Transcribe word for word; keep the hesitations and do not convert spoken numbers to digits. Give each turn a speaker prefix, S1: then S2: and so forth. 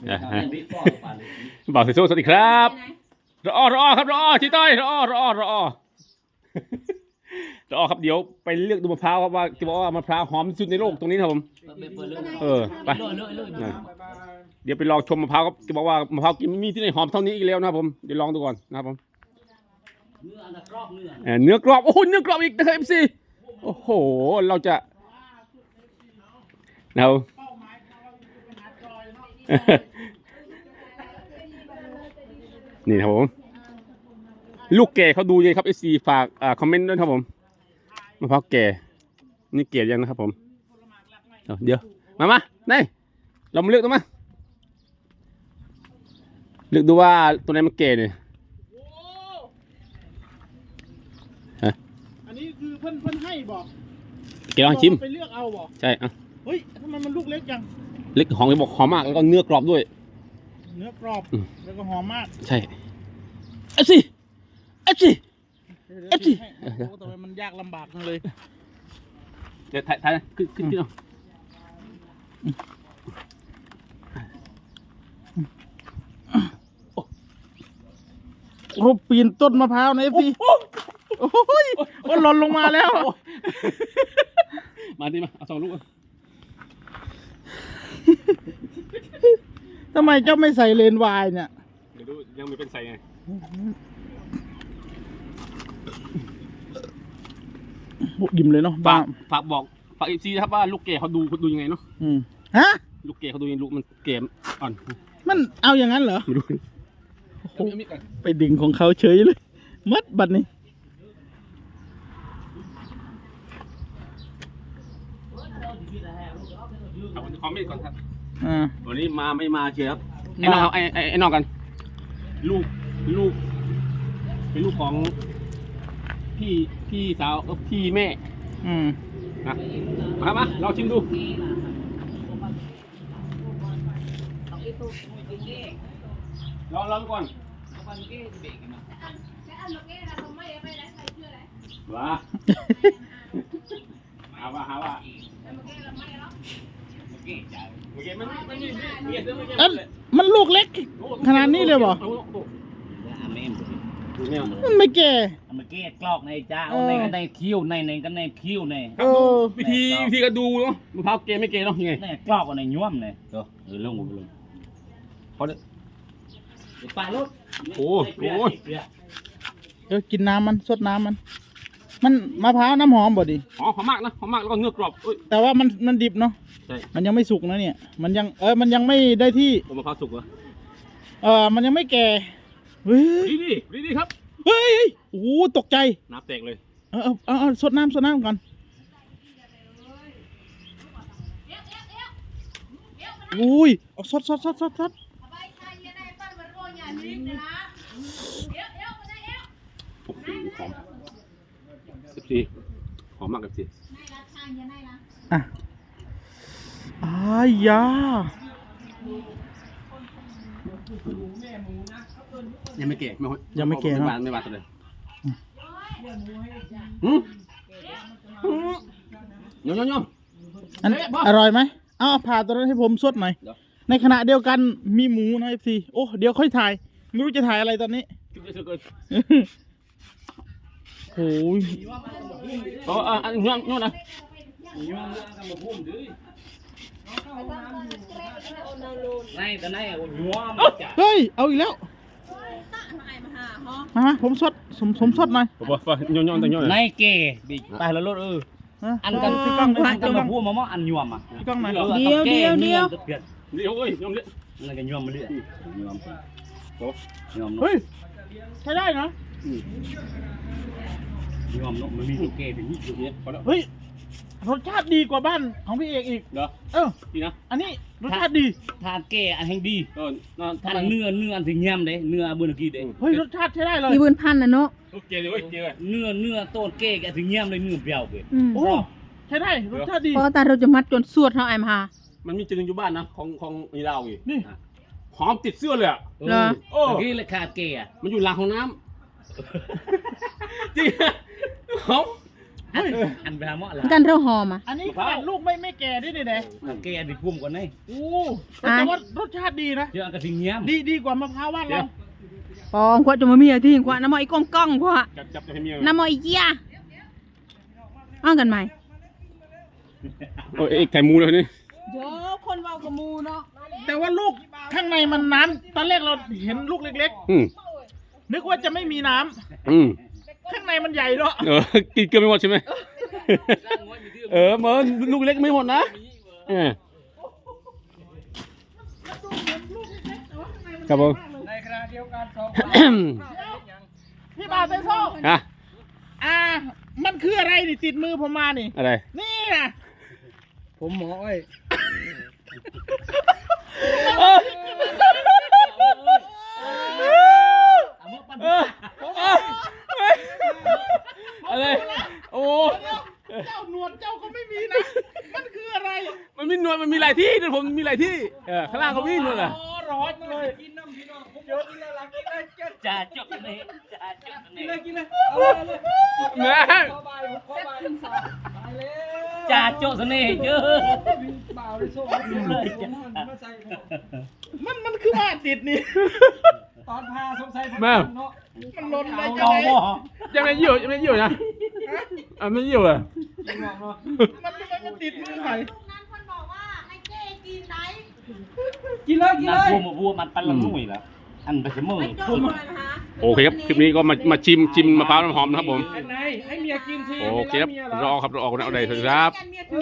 S1: บ่าวเสียโซ่สวัสดีครับรอรอครับรอที่ต้อยรอรอรอรอครับเดี๋ยวไปเลือกดูมะพร้าวครับว่าจะบอกว่ามะพร้าวหอมที่สุดในโลกตรงนี้ครับผมเออไปเดี๋ยวไปลองชมมะพร้าวครับจะบอกว่ามะพร้าวกินไม่มีที่ไหนหอมเท่านี้อีกแล้วนะครับผมเดี๋ยวลองดูก่อนนะครับผมเนื้อกรอบโอ้โหเนื้อกรอบอีกนะครับเอฟซีโอ้โหเราจะเรานี่ครับผมลูกแก่เขาดูเลยครับเอฟซีฝากอ่าคอมเมนต์ด้วยครับผมมะพร้าวแก่นี่เกลียดยังนะครับผมเดี๋ยวมามานี่เรามาเลือกตัวมาเลือกดูว่าตัวไหนมันแก่เนี่ยฮะ
S2: อันนี้คือเพิ่นเพิ่นให้บอก
S1: แกลองชิม
S2: ไปเลือกเอาบอก
S1: ใช่อ่ะ
S2: เฮ้ยทำไมมันลูกเล็กจัง
S1: เล็กหอมจะบอกหอมมากแล้วก็เนื้อกรอบด้วย
S2: เนื้อกรอบแล้วก็หอมมาก
S1: ใช่เอฟซีเอฟซีเอฟซี
S2: โอ้โหทำไมมันยากลำบากจังเลย
S1: เดี๋ยวถ่ายถ่ายขึ้นขึ้นขึ้นเอา
S2: โอ้ปีนต้นมะพร้าวนะเอฟซีโอ้ยโอ้หล่นลงมาแล้ว
S1: มาดิมาเอาสองลูก
S2: ทำไมเจ้าไม่ใส่เลนวายเนี่ย
S1: เดี๋ยวดูยังไม่เป็นใส่ไง
S2: ยิ้มเลยเนาะ
S1: ฝากฝากบอกฝากเอฟซีนะครับว่าลูกเกดเขาดูเขาดูยังไงเนาะ
S2: ฮะ
S1: ลูกเกดเขาดูยังลูกมันเกมอ่อน
S2: มันเอาอย่างนั้นเหรอไปดึงของเขาเฉยเลยมัดบัดนี้
S1: เอาคอมเมนต์ก่อนครับ
S2: อ่า
S1: วันนี้มาไม่มาเชียร์ครับไอ้น้องไอ้ไอ้ไอ้น้องกันลูกลูกเป็นลูกของพี่พี่สาวพี่แม่
S2: อืม
S1: นะมามาเราชิมดูลองลองก่อนว้าหาว่าหาว่า
S2: มันลูกเล็กขนาดนี้เลยบ่มันไม่แก่
S3: มันแก่กรอกในจ้าในก็ในคิ้วในในก็ในคิ้วใน
S1: วิธีวิธีก็ดูเนาะมะพร้าวเกไม่เกเนาะยังไง
S3: ในกรอกในย่วมเลยเออลงลง
S1: พอเด้อ
S3: ปลารถ
S1: โอ้โห
S2: เดี๋ยวกินน้ำมันสดน้ำมันมันมะพร้าวน้ำหอมบ่ดิ
S1: หอมหอมมากนะหอมมากแล้วก็เนื้อกรอบ
S2: แต่ว่ามันมันดิบเนาะ
S1: ใช่
S2: มันยังไม่สุกนะเนี่ยมันยังเออมันยังไม่ได้ที่
S1: มะพร้าวสุกเหรอ
S2: เออมันยังไม่แก่เฮ้ย
S1: ดีดีดีดีครับ
S2: เฮ้ยโอ้ตกใจ
S1: น้ำแตกเลย
S2: เออเออเออสดน้ำสดน้ำก่อนอุ้ยเอาสดสดสดสดสด
S1: โอ้โหหอมสิบสี่หอมมากกับสิ
S2: อ่ะอายา
S1: ยังไม่แก่ไม่
S2: ยังไม่แก่เนาะ
S1: ไม่บาดเลยอืมยอมยอมยอม
S2: อันอร่อยไหมเอาผ่าตัวนั้นให้ผมสดหน่อยในขณะเดียวกันมีหมูนะเอฟซีโอ้เดี๋ยวค่อยถ่ายไม่รู้จะถ่ายอะไรตอนนี้โอ้ย
S1: เอออันนี้นู่นนะ
S3: ในแต่ในย่วม
S2: เฮ้ยเอาอีกแล้วมาผมสดสมสมสดหน่อย
S1: ยอมยอมแต่ยอม
S3: ในเก๋บีไปแล้วรถเอออันกันพี่ก้องอันกันมาพูดมาว่าอันย่วมอ่ะ
S2: พี่ก้องไหน
S3: เดียวเดียวเดียว
S1: เดี๋ยวเอ้ยยอมเลี้ย
S3: อะไรกันย่วมมาเรื่อยย่วมย่วม
S2: เฮ้ยใช้ได้นะ
S3: ย่วมเนาะมันมีเก๋เป็นยี่สิบเนี่ย
S2: เฮ้ยรสชาติดีกว่าบ้านของพี่เอกอีก
S1: เหรอ
S2: เออ
S1: ดีนะ
S2: อันนี้รสชาติดี
S3: ทานเก๋อันแห่งดีเออทานเนื้อเนื้อถึงย่ำเลยเนื้อเบอร์กี้เด้
S2: เฮ้ยรสชาติใช้ได้เลย
S4: มีบุญพันนะเนาะ
S1: โอเคเลยเก๋เลย
S3: เนื้อเนื้อต้นเก๋แกถึงย่ำเลยเนื้อเปรี้ยวเก๋
S2: โอ้ใช้ได้รสชาติดี
S4: เพราะแต่เราจะมัดจนสวดเท่าไอ้มา
S1: มันมีจุดหนึ่งอยู่บ้านนะของของมีดาวอยู่นี่หอมติดเสื้อเลยอ่ะ
S3: โอ้กี้เลยขาดเก๋
S1: มันอยู่หลังของน้ำจริงหอมห
S2: เฮ้ย
S3: อันไปหาหมอละ
S4: กันเท่าหอมอ่ะ
S2: อันนี้ขนาดลูกไม่ไม่แก่ด้วยนี่แหละ
S3: แกอันนี้พุ่มก่อนนี่
S2: โอ้
S4: อ่ะ
S2: แต่ว่ารสชาติดีนะ
S3: เดี๋ยวอันกระทิงเงี้ยม
S2: ดีดีกว่ามะพร้าวบ้านเรา
S4: ปองขวดจะมามีอะไรที่ขวดน้ำมันอีกก้องก้องขวด
S1: จับจับจะให้เมีย
S4: น้ำมันอีเกียอ้างกันไหม
S1: โอ้ยเอกไข่มูเลยนี่
S4: เดี๋ยวคนเบากระมูเนาะ
S2: แต่ว่าลูกข้างในมันน้ำตอนแรกเราเห็นลูกเล็ก
S1: อืม
S2: ๆ นึกว่าจะไม่มีน้ำ
S1: อืม
S2: ข้างในมันใหญ่เนาะ
S1: เออกินเกินไม่หมดใช่ไหมเออเหมือนลูกเล็กไม่หมดนะเออครับผม
S3: ในขณะเดียวกันสอง
S2: พี่บาเตโซ่
S1: ฮะ
S2: อ่า มันคืออะไรนี่ติดมือผมมานี่
S1: อะไร
S2: นี่นะ
S3: ผมหมออ้อย
S1: อะไรโอ้
S2: เจ้าหนวดเจ้าก็ไม่มีนะ มันคืออะไร
S1: มันมีหนวดมันมีหลายที่นะผมมีหลายที่เออข้างล่างเขามีหนวดอ่ะ
S2: อ๋อร้อนเลย
S3: กินน้ำพี่น้องผมกินแล้วล่ะกินเลยจ่าจบนี่จ่าจบนี่
S2: กินเลย
S1: แม่
S3: จ่าโจสนี่เยอะ
S2: มันมันคือว่าติดนี่
S3: ตอนพาสงสัย
S1: แม่
S2: มันล้นได้
S3: เอา
S2: ยัง
S3: เอา
S2: ไง
S3: บ่
S1: ยังไม่เยี่ยวยังไม่เยี่ยวนะอ่ะไม่เยี่ยวอ่ะ
S2: มันทำไมมันติดมือไผ่
S4: ลูกนั้นคนบอกว่าให้เจ๊กินไหน
S3: กินเลยกินเลยบัวบัวมันปันละหนุ่ยแล้วอันไปเสมอ
S4: ไม่โดนเลยนะคะ
S1: โอเคครับคลิปนี้ก็มามาชิมชิมมะพร้าวน้ำหอมนะครับผม
S2: ไอ้นายให้เมียกินสิ
S1: โอเคครับรอครับรอออกนะเอาใดสวัสดีครับ
S4: เมียถือ